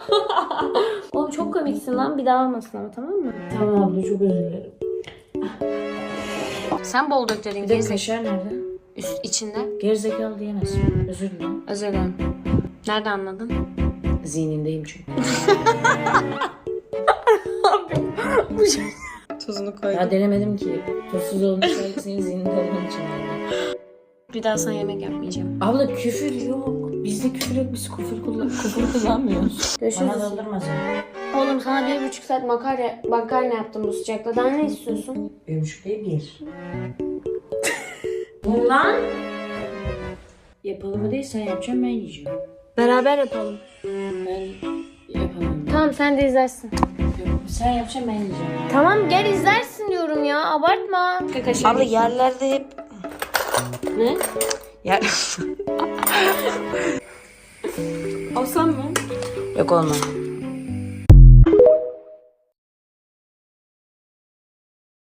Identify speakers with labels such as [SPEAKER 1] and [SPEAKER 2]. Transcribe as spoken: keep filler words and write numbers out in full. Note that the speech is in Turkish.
[SPEAKER 1] Oğlum çok komiksin lan. Bir daha olmasın ama, tamam mı?
[SPEAKER 2] Tamam abla, çok özür dilerim.
[SPEAKER 1] Sen bol dök dedin.
[SPEAKER 2] Bir de kaşar nerede?
[SPEAKER 1] Üst içinde.
[SPEAKER 2] Gerizekalı diyemezsin. Özür dilerim.
[SPEAKER 1] Özür dilerim. Nerede anladın?
[SPEAKER 2] Zihnindeyim çünkü.
[SPEAKER 1] Bu şey. Tuzunu koydum.
[SPEAKER 2] Ya denemedim ki. Tuzsuz olmuş belki senin zihninde olduğun için.
[SPEAKER 1] Bir daha sana yemek yapmayacağım.
[SPEAKER 2] Abla küfür yok. Bizde küfür yok. Biz küfür, kullan küfür kullanmıyoruz.
[SPEAKER 1] Görüşürüz.
[SPEAKER 2] Bana doldurma sen.
[SPEAKER 1] Oğlum sana bir buçuk saat makarna, makarna yaptım bu sıcakta. Daha ne istiyorsun?
[SPEAKER 2] Bir buçuk değil, bir. Ulan! Yapalım mı değil, sen yapacaksın, ben yiyeceğim.
[SPEAKER 1] Beraber yapalım.
[SPEAKER 2] Ben yapamam.
[SPEAKER 1] Tamam, sen de izlersin.
[SPEAKER 2] Yok, sen yapacaksın, ben yiyeceğim.
[SPEAKER 1] Tamam, gel izlersin diyorum ya. Abartma.
[SPEAKER 3] Abla yerlerde hep...
[SPEAKER 1] Ne?
[SPEAKER 3] Yer...
[SPEAKER 1] Alsam mı?
[SPEAKER 3] Yok olma.